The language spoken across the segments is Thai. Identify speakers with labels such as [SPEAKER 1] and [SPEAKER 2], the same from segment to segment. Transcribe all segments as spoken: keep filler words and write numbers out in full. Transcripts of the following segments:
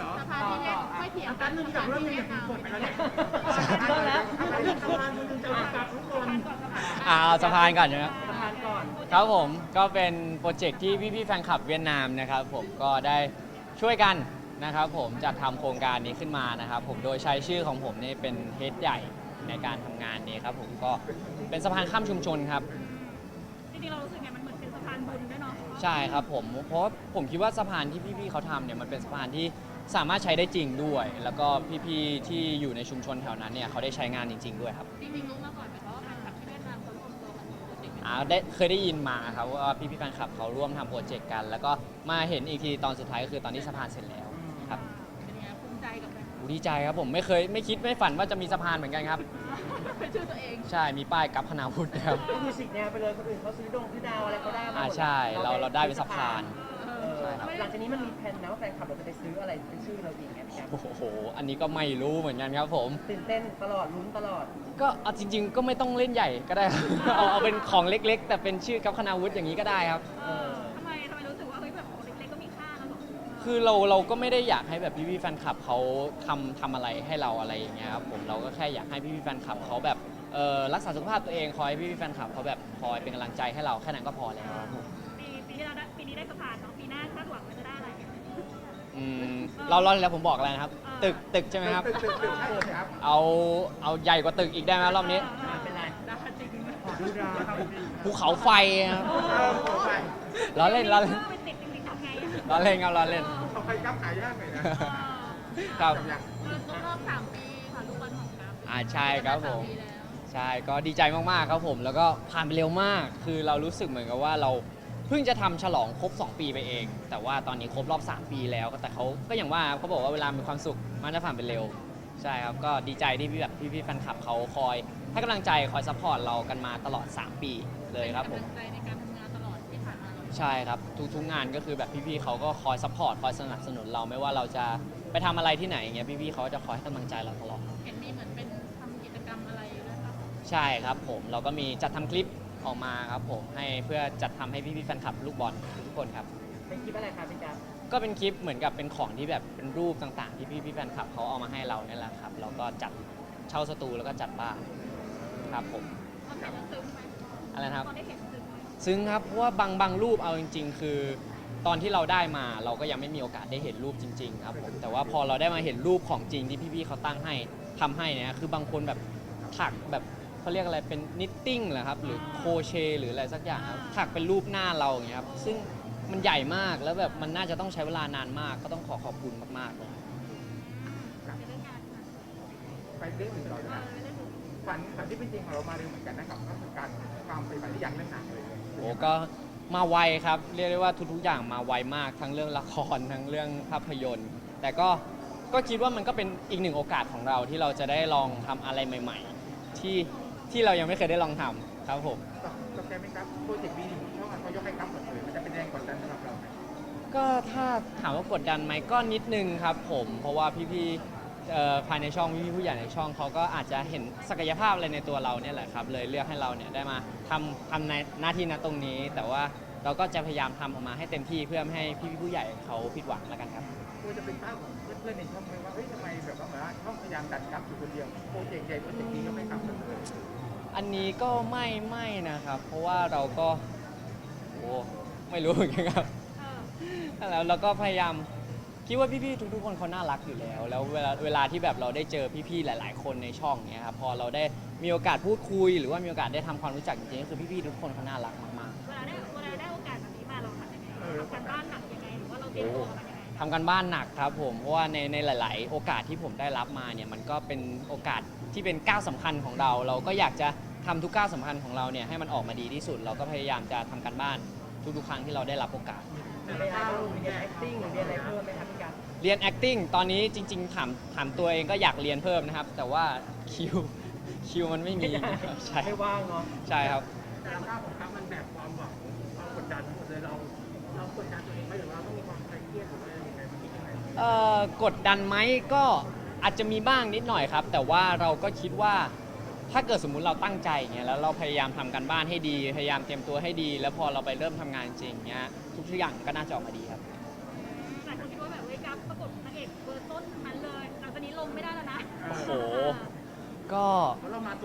[SPEAKER 1] อ
[SPEAKER 2] สะพานที่เรียกไม่เถียง
[SPEAKER 1] แป๊บนึงจากเรื่องนี้อยากกดไปแล้วเนี่ย
[SPEAKER 3] ต้นแล้ว
[SPEAKER 1] สะพานมันจะประกาศทุกคน
[SPEAKER 4] อ่าเอาสะพานก่อนนะครับ
[SPEAKER 1] สะพานก่อน
[SPEAKER 4] ครับผมก็เป็นโปรเจกต์ที่พี่ๆแฟนคลับเวียดนามนะครับผมก็ได้ช่วยกันนะครับผมจัดทำโครงการนี้ขึ้นมานะครับผมโดยใช้ชื่อของผมนี่เป็นเฮดใหญ่ในการทำงานนี้ครับผมก็เป็นสะพานข้ามชุมชนครับ
[SPEAKER 2] จริงๆเรารู้สึกไงมันเหมือนเป็นสะพานบุญด้วยเนาะ
[SPEAKER 4] ใช่ครับผมเพราะผมคิดว่าสะพานที่พี่ๆเขาทำเนี่ยมันเป็นสะพานที่สามารถใช้ได้จริงด้วย แล้วก็พี่ๆที่อยู่ในชุมชนแถวนั้นเนี่ยเขาได้ใช้งานจริง ๆด้วยครับ
[SPEAKER 2] จริงๆรู้มาก่อนไหมคะว่าแฟนคลับที่เวียดนามเขารวมตัวกันทำโปรเจกต์นี้
[SPEAKER 4] อ่าได้เคยได้ยินมาครับว่าพี่ๆแฟนคลับเขาร่วมทำโปรเจกต์กัน แล้วก็มาเห็นอีกทีตอนสุดท้ายก็คือตอนที่สะพานเสร็จแล้วครับ
[SPEAKER 2] เป็นยังไงภูมิใจกับแฟน
[SPEAKER 4] โอ้ดีใจครับผมไม่เคยไม่คิดไม่ฝันว่าจะมีสะพานเหมือนกันครับ
[SPEAKER 2] เป็นชื่อตัวเอง
[SPEAKER 4] ใช่มีป้ายกับพนาวุฒินะครับ
[SPEAKER 1] ก็คือสิกแนวไปเลยคนอื่นเขาซื้อดงซื้อดาวอะไรเขาได้มาหมด
[SPEAKER 4] อ่าใช่เราเราได้เป็นสะพาน
[SPEAKER 2] เอ
[SPEAKER 1] เอ
[SPEAKER 2] อ
[SPEAKER 1] อ
[SPEAKER 4] ใช่ครับ
[SPEAKER 1] หลังจากนี้มันมีแผนนะว่าแฟนคลับเราจะไปซื้ออะไรเป็นชื่อเราอีกไงพี่แอฟ
[SPEAKER 4] โอ้โหอันนี้ก็ไม่รู้เหมือนกันครับผม
[SPEAKER 1] ตื่นเต้นตลอดลุ้นตลอด
[SPEAKER 4] ก็เอาจริง ๆ ก็ไม่ต้องเล่นใหญ่ก็ได้ครับ เอาเอาเป็นของเล็ก ๆ แต่เป็นชื่อกับคณาวุฒิอย่างนี้ก็ได้ครับ
[SPEAKER 2] เออทำไมทำไมรู้สึกว่าเฮ้ยแบบของเล็กๆก็มีค่านะหรอ
[SPEAKER 4] คือเราเราก็ไม่ได้อยากให้แบบพี่ๆแฟนคลับเขาทำทำอะไรให้เราอะไรอย่างเงี้ยครับผมเราก็แค่อยากให้พี่ๆแฟนคลับเขาแบบเออรักษาสุขภาพตัวเองคอยให้พี่ๆแฟนคลับเขาแบบคอยเป็นกำลังใจให้เราแค่นั้นก็พอแล้วครับผม
[SPEAKER 2] ปีปีที่เราได้ปีนี้ได้สะพานเนาะปีหน้าคาดหวังว่าจะได้อะไร
[SPEAKER 4] อืมเราเราแล้วผมบอกอะไรนะครับ ตึกตึกใช่ไหมครับ
[SPEAKER 1] ตึกตึกตึกใช่ครับ
[SPEAKER 4] เอาเอาใหญ่กว่าตึกอีกได้ไหมรอบนี้
[SPEAKER 1] เป็นไร
[SPEAKER 2] ได้จริง
[SPEAKER 1] ขอดูดาว
[SPEAKER 4] ภูเขาไฟครับ
[SPEAKER 1] เออขอไป
[SPEAKER 4] ล้อเล่นล้อเล่น
[SPEAKER 2] ไปติดจริงๆทำไง
[SPEAKER 4] ล้อเล่นครับล้อเล่น
[SPEAKER 1] ขอไปกับขายยากหน่อยนะ
[SPEAKER 4] ครับ
[SPEAKER 1] จำยัง
[SPEAKER 2] ครบรอบสามปีค่ะลูกบอลของกัฟ
[SPEAKER 4] อ่าใช่ครับผม
[SPEAKER 2] สาปีแล้ว
[SPEAKER 4] ใช่ก็ดีใจมาก ๆ ครับผม แล้วก็ผ่านไปเร็วมาก คือเรารู้สึกเหมือนกับว่าเราเพิ่งจะทำฉลองครบ สอง ปีไปเอง แต่ว่าตอนนี้ครบรอบ สาม ปีแล้วแต่เขาก็อย่างว่าเขาบอกว่าเวลามีความสุขมันจะผ่านไปเร็ว ใช่ครับ ก็ดีใจที่พี่แบบพี่ๆแฟนคลับเขาคอยให้กำลังใจคอยซัพพอร์ตเรากันมาตลอด สาม ปีเลยครับผม
[SPEAKER 2] เป็นกำลังใจในการทำงานตลอดที่ผ่านมาเรา
[SPEAKER 4] ใช่ครับ ทุกๆงานก็คือแบบพี่ๆเขาก็คอยซัพพอร์ตคอยสนับสนุนเราไม่ว่าเราจะไปทำอะไรที่ไหนอย่างเงี้ยพี่ๆเขาจะคอยให้กำลังใจเราตลอด
[SPEAKER 2] เห็นมีเหมือนเป็นทำกิจกรรมอะไรด้วยป่ะ
[SPEAKER 4] ใช่ครับผมเราก็มีจัดทำคลิปออกมาครับผมให้เพื่อจัดทำให้พี่ๆแฟนคลับลูกบอลทุกคนครับ
[SPEAKER 1] เป็นคลิปอะไรครับพี่จ๊ะ
[SPEAKER 4] ก็เป็นคลิปเหมือนกับเป็นของที่แบบเป็นรูปต่างๆ ที่พี่ๆแฟนคลับเขาเอามาให้เราเนี่ยแหละครับเราก็จัดเช่าสตูแล้วก็จัดบ้านครับผม
[SPEAKER 2] ตอนเห็นแล้วซึ้งไหม
[SPEAKER 4] อะไรนะครับ
[SPEAKER 2] ตอนได้เห็นซึ้งไหม
[SPEAKER 4] ซึ่งครับเพราะว่าบางบางรูปเอาจริง ๆ คือ ตอนที่เราได้มาเราก็ยังไม่มีโอกาสได้เห็นรูปจริง ๆ ครับผมแต่ว่าพอเราได้มาเห็นรูปของจริงที่พี่ๆเขาตั้งให้ทำให้เนี่ยคือบางคนแบบถักแบบเขาเรียกอะไรเป็นนิตติ้งเหรอครับหรือโครเชต์หรืออะไรสักอย่างครับถักเป็นรูปหน้าเราอย่างเงี้ยครับซึ่งมันใหญ่มากแล้วแบบมันน่าจะต้องใช้เวลานานมาก ก็ต้องขอขอบคุณมากๆเลย
[SPEAKER 2] ในเรื่องงานค่ะ
[SPEAKER 1] ไปเรื่องอื่นต่อเลย
[SPEAKER 2] เอ
[SPEAKER 1] นะ
[SPEAKER 2] อในเรื่องอื่น
[SPEAKER 1] ฝันฝันที่เป็นจริงของเรามาเร็วเหมือนกันนะครับก็คือการความไปฝันที่อยากเล่นหนังเลย
[SPEAKER 4] โอ้ก็มาไวครับเรียกได้ว่าทุกๆอย่างมาไวมากทั้งเรื่องละครทั้งเรื่องภาพยนตร์ แต่ก็ก็คิดว่ามันก็เป็นอีกหนึ่งโอกาสของเราที่เราจะได้ลองทำอะไรใหม่ ๆ ที่ที่เรายังไม่เคยได้ลองทำครับผม
[SPEAKER 1] ตกใจไหมครับโปรเจกต์บีหนึ่งช่องเขายกให้ครับหมดเลยมันจะเป็นแรงกดดันสำหรับเราไหม
[SPEAKER 4] ก็ถ้าถามว่ากดดันไหมก็นิดนึงครับผมเพราะว่าพี่ๆเอ่อภายในช่องพี่ๆผู้ใหญ่ในช่องเขาก็อาจจะเห็นศักยภาพอะไรในตัวเราเนี่ยแหละครับเลยเลือกให้เราเนี่ยได้มาทำทำในหน้าที่ณตรงนี้ แต่ว่าเราก็จะพยายามทำออกมาให้เต็มที่เพื่อไม่ให้พี่ๆผู้ใหญ่เขาผิดหวังแล้วกันครับ
[SPEAKER 1] ควรจะเป็นภาพของเพื่อนๆในช่องไหมว่าเฮ้ยทำไมแบบว่าเหมือนว่าช่องพยายามดันครับอยู่คนเดียวโปรเจกต์ใหญ่โปรเจกต์นี้ก็ไม่ครับหมดเลย
[SPEAKER 4] อันนี้ก็ไม่ไม่นะครับ เพราะว่าเราก็โอ้ไม่รู้เหมือนกันครับ
[SPEAKER 2] เออ
[SPEAKER 4] แล้วเราก็พยายามคิดว่าพี่ๆทุกๆคนเขาน่ารักอยู่แล้ว แล้วเวลาเวลาที่แบบเราได้เจอพี่ๆหลาย ๆ คนในช่องเนี้ยครับพอเราได้มีโอกาสพูดคุย หรือว่ามีโอกาสได้ทำความรู้จักจริงๆก็คือพี่ๆทุกคนเขาน่ารักมาก
[SPEAKER 2] เวลาได้เวลาได้โอกาสแบบนี้มาเราทำยังไงทำการบ้านหนักยังไงหรือว่าเราเตรียมตัวมายังไง
[SPEAKER 4] ๆทำกันบ้านหนักครับผมเพราะว่าในในหลาย ๆ โอกาสที่ผมได้รับมาเนี่ยมันก็เป็นโอกาสที่เป็นก้าวสำคัญของเรา เราก็อยากจะทำทุกก้าวสำคัญของเราเนี่ยให้มันออกมาดีที่สุด เราก็พยายามจะทำกันบ้านทุกๆครั้งที่เราได้รับโอกาส
[SPEAKER 1] มีอะไรบ้างมีเรียน acting หรือเรียนอะไรเพิ่มไหมครับพี่กัน
[SPEAKER 4] เรียน acting ตอนนี้จริง ๆ ถามถามตัวเองก็อยากเรียนเพิ่มนะครับ แต่ว่าคิวคิวมันไม่มีนะครับใช่
[SPEAKER 1] ไม่ว่างเนาะ
[SPEAKER 4] ใช่ครับ
[SPEAKER 1] แต่ภาพของครับมันแบบความหวังความกดดันทั้งหมดเลยเราเรากดดันตัวเองไหมหรือว่าต้องมีความเครียดหรือว่าอะไรยังไงมันคิดยังไง
[SPEAKER 4] เอ่อกดดันไหมก็อาจจะมีบ้างนิดหน่อยครับ แต่ว่าเราก็คิดว่าถ้าเกิดสมมุติเราตั้งใจอย่างเงี้ยแล้วเราพยายามทำกันบ้านให้ดี พยายามเตรียมตัวให้ดี แล้วพอเราไปเริ่มทำงานจริงเงี้ยทุกอย่างก็น่าจะออกมาดีครับ
[SPEAKER 2] หลายคนคิดว่าแบบเว้ยกัฟประกบนางเอกเบอร์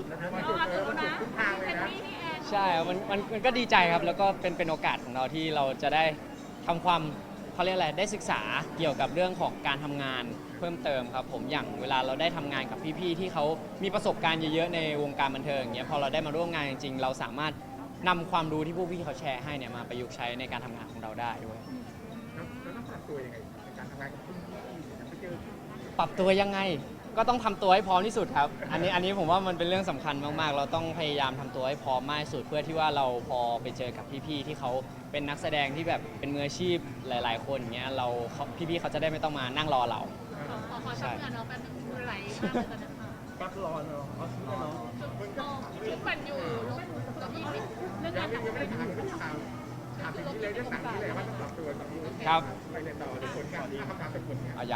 [SPEAKER 1] สุดแล้วนะ
[SPEAKER 2] เรา
[SPEAKER 1] สุด
[SPEAKER 2] อาจ
[SPEAKER 1] เล
[SPEAKER 2] จะ
[SPEAKER 1] ย
[SPEAKER 2] รู้
[SPEAKER 1] สุ
[SPEAKER 2] นะ
[SPEAKER 1] ดทุกทางเลย
[SPEAKER 2] แคน
[SPEAKER 1] นะ
[SPEAKER 2] ดี้พี่แอน
[SPEAKER 4] ใช่ครับมันมันมันก็ดีใจครับ แล้วก็เป็นเป็นโอกาสของเราที่เราจะได้ทำความเขาเรียกอะไรได้ศึกษาเกี่ยวกับเรื่องของการทำงานเพิ่มเติมครับผมอย่างเวลาเราได้ทำงานกับพี่ๆที่เขามีประสบการณ์เยอะๆในวงการบันเทิงอย่างเงี้ยพอเราได้มาร่วมงานจริงๆ เราสามารถนำความรู้ที่พวกพี่เขาแชร์ให้เนี่ยมาประยุกต์ใช้ในการทำงานของเราได้ด้วย
[SPEAKER 1] แล้วแล้วต้องปรับตัวยังไงในการทำงานกับรุ่นพี่เนี่ยไปเจอ
[SPEAKER 4] ปรับตัวยังไงก็ต้องทำตัวให้พร้อมที่สุดครับ อันนี้อันนี้ผมว่ามันเป็นเรื่องสำคัญมากๆ เราต้องพยายามทำตัวให้พร้อมมากที่สุด เพื่อที่ว่าเราพอไปเจอกับพี่ๆที่เขาเป็นนักแสดงที่แบบเป็นมืออาชีพหลาย ๆ คนอย่างเงี้ยเราเขาพี่ๆเขาจะได้ไม่ต้องมานั่งรอเรา
[SPEAKER 2] ขอขอขอชักเงินเราแป๊บนึงมือไหลมากเลยตอนนั้นค่ะ
[SPEAKER 1] ปักรอเนาะเอาชิ้นเนาะ
[SPEAKER 2] ชุดมันอยู่ลูกเรามีเรื่อง
[SPEAKER 1] ยั
[SPEAKER 2] กาง ร
[SPEAKER 1] ไม่
[SPEAKER 2] ทำ
[SPEAKER 1] ยังไม่ได้ถามไม่ได้ถามถามถึงนี้เลยเรื่องหนังนี่เลยว่าต้องปรับตัวกับรุ่น
[SPEAKER 4] ครับ
[SPEAKER 1] ไปเรียนต่อหรือผลงานถ้าคำถามเป็นผลงาน
[SPEAKER 4] เอายัง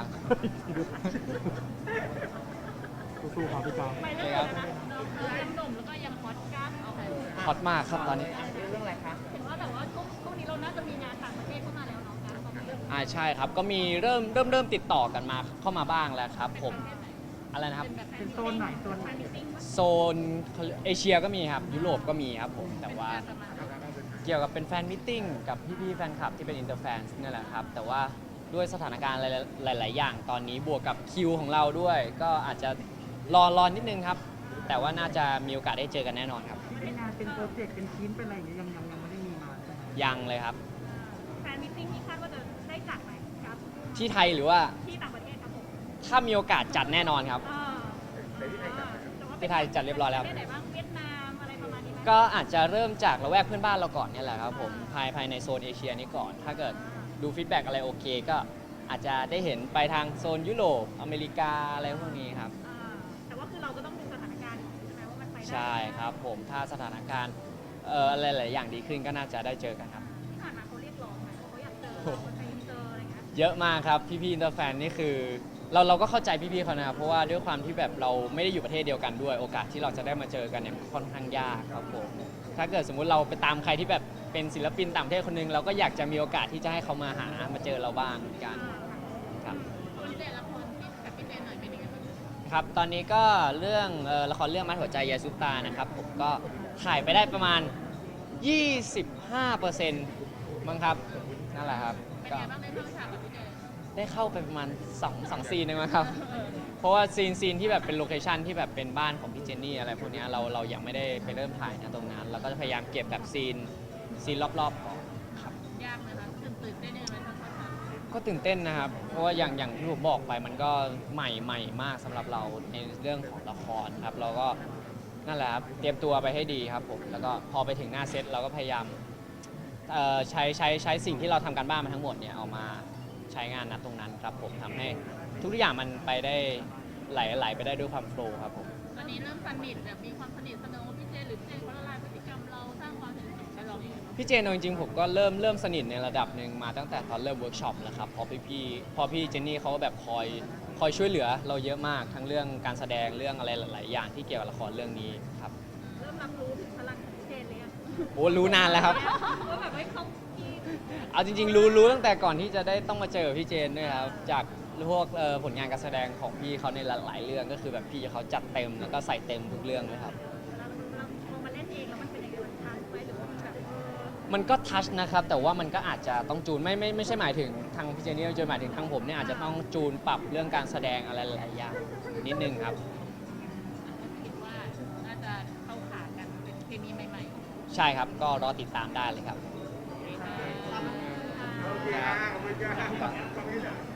[SPEAKER 1] สู้ๆครับพี่จอม
[SPEAKER 2] ไปเรื่องอะไรนะยังหนุ่มแล้วก็ยังฮอตก้าเอาไป
[SPEAKER 4] ฮอตมากครับตอนนี้
[SPEAKER 1] เรื่องอะไรคะ
[SPEAKER 2] เห็นว่าแต่ว่าช่วงช่วงนี้เราน่าจะมีงานต่างประเทศเข้ามาแล้วเนาะการตอนนี้
[SPEAKER 4] อ่าใช่ครับก็มีเริ่มเริ่มเริ่มติดต่อกันมาเข้ามาบ้างแล้วครับผมอะไรนะครับ
[SPEAKER 2] เป็นโซนไหนโซนไหน
[SPEAKER 4] โซนเอเชียก็มีครับยุโรปก็มีครับผมแต่ว่าเกี่ยวกับเป็นแฟนมิทติ้งกับพี่ๆแฟนคลับที่เป็นอินเตอร์แฟนนี่แหละครับแต่ว่าด้วยสถานการณ์หลาย ๆ อย่างตอนนี้บวกกับคิวของเราด้วย ก็อาจจะรอรอนิดนึงครับ แต่ว่าน่าจะมีโอกาสได้เจอกันแน่นอนครับ
[SPEAKER 3] เป็นงานเป็นโปรเจกต์เป็นชิ้นเป็นอะไรอย่างเงี้ยยังยังยังไม่ได้มีมาใช่ไหม
[SPEAKER 4] ยังเลยครับ
[SPEAKER 2] แฟนมิทติ้งที่คาดว่าจะได้จัดไหมครับ
[SPEAKER 4] ที่ไทยหรือว่า
[SPEAKER 2] ที่ต่างประเทศครับผม
[SPEAKER 4] ถ้ามีโอกาสจัดแน่นอนครับ
[SPEAKER 2] อ่า
[SPEAKER 1] แต่ที่ไทยจัด
[SPEAKER 4] ที่ไทยจัดเรียบร้อยแล้ว
[SPEAKER 2] ประเทศไหนบ้างเวียดนามอะไรประมาณนี้ไหม
[SPEAKER 4] ก็อาจจะเริ่มจากละแวกเพื่อนบ้านเราก่อนเนี่ยแหละครับผมภายภายในโซนเอเชียนี้ก่อน ถ้าเกิดดูฟีดแบ็กอะไรโอเค ก็อาจจะได้เห็นไปทางโซนยุโรปอเมริกาอะไรพวกนี้ครับ
[SPEAKER 2] อ่าแต่ว่าคือเราก็ต้องดูสถานการณ์ใช่ไหมว่ามันไปได้
[SPEAKER 4] ใช่ครับผมถ้าสถานการณ์เอ่ออะไรหลายอย่างดีขึ้นก็น่าจะได้เจอกันครับ
[SPEAKER 2] ที่ผ่านมาเขาเรียกร้องไหมว่าเขาอยากเจอเราคนไทยเจออะไรเงี้ย
[SPEAKER 4] เยอะมากครับพี่ๆอินเตอร์แฟนนี่คือเราเราก็เข้าใจพี่ๆเขานะครับเพราะว่าด้วยความที่แบบเราไม่ได้อยู่ประเทศเดียวกันด้วย โอกาสที่เราจะได้มาเจอกันเนี่ยค่อนข้างยากครับผมถ้าเกิดสมมุติเราไปตามใครที่แบบเป็นศิลปินต่างประเทศคนหนึงเราก็อยากจะมีโอกาสที่จะให้เขามาหามาเจอเราบ้างเหมือนกันครับ
[SPEAKER 2] คนเด่นละครที่กับพี่เจนหน่อยเป็นยังไงบ้าง
[SPEAKER 4] ครับตอนนี้ก็เรื่องเอ่อละครเรื่องมัดหัวใจยายซุปตานะครับผมก็ถ่ายไปได้ประมาณ ยี่สิบห้าเปอร์เซ็นต์ มั้งครับนั่นแหละครับ
[SPEAKER 2] เป็น
[SPEAKER 4] ก็
[SPEAKER 2] ยังไงบ้างได้เข้าฉากกับพี่เจน
[SPEAKER 4] ได้เข้าไปประมาณ2งสองซีนเองมั้งครับ เพราะว่าซีนซีนที่แบบเป็นโลเคชันที่แบบเป็นบ้านของพี่เจนนี่อะไรพวกเนี้ยเราเรายังไม่ได้ไปเริ่มถ่ายนะตรงนั้นเราก็จะพยายามเก็บแบบซีนซีนรอบๆก่อนครับ
[SPEAKER 2] ยากไหมคะตื่นตื่นได้ยังไงตอนเข้าฉาก
[SPEAKER 4] ก็ตื่นเต้นนะครับ เพราะว่าอย่างอย่างที่ผมบอกไปมันก็ใหม่ใหม่มากสำหรับเราในเรื่องของละครครับ เราก็นั่นแหละครับเตรียมตัวไปให้ดีครับผมแล้วก็พอไปถึงหน้าเซตเราก็พยายามเอ่อใช้ใช้ใช้สิ่งที่เราทำการบ้านมาทั้งหมดเนี่ยเอามาใช้งานณตรงนั้นครับผมทำให้ทุกอย่างมันไปได้ไหลไหลไปได้ด้วยความโฟล์ครับผม
[SPEAKER 2] ตอนนี้เริ่มสนิทแบบมีความสนิทสนมกับพี่เจนหรือพี่เจนเขาละลายพฤติกรรมเราสร้างความสนิทสนมกับเราอย่างไรบ้าง
[SPEAKER 4] พี่เจนเอาจริงๆผมก็เริ่มเริ่มสนิทในระดับหนึ่งมาตั้งแต่ตอนเริ่มเวิร์กช็อปแล้วครับเพอพี่พี่พอพี่เจนนี่เขาก็แบบคอยคอยช่วยเหลือเราเยอะมากทั้งเรื่องการแสดงเรื่องอะไรหลายๆอย่างที่เกี่ยวกับละครเรื่องนี้ครับ
[SPEAKER 2] เริ่มรับรู้ถึงพลังของพี่เจนเลยอะ
[SPEAKER 4] โอ้รู้นานแล้วครับ
[SPEAKER 2] ว่าแบบว่าเขาพี่
[SPEAKER 4] เอาจริงๆ รู้รู้ตั้งแต่ก่อนที่จะได้ต้องมาเจอพี่เจนด้วยครับจากพวกเอ่อผลงานการแสดงของพี่เขาในหลายๆเรื่องก็คือแบบพี่เขาจัดเต็มแล้วก็ใส่เต็มทุกเรื่องเลยครับ
[SPEAKER 2] เวลาเราพอมาเล่นเองแล้วมันเป็นยังไงมันทันไหมหรือว่ามันแบบเออ
[SPEAKER 4] มันก็ทัชนะครับแต่ว่ามันก็อาจจะต้องจูนไม่ไม่ไม่ใช่หมายถึงทางพี่เจนนี่จะหมายถึงทางผมเนี่ยอาจจะต้องจูนปรับเรื่องการแสดงอะไรหลายๆอย่างนิดนึงครับ
[SPEAKER 2] คิดว่าน่าจะเข้าขากันเป็นเคมีใหม่ๆ
[SPEAKER 4] ใช่ครับก็รอติดตามได้เลยครับ
[SPEAKER 1] โอเคนะขอบคุณครับขอบคุณครับ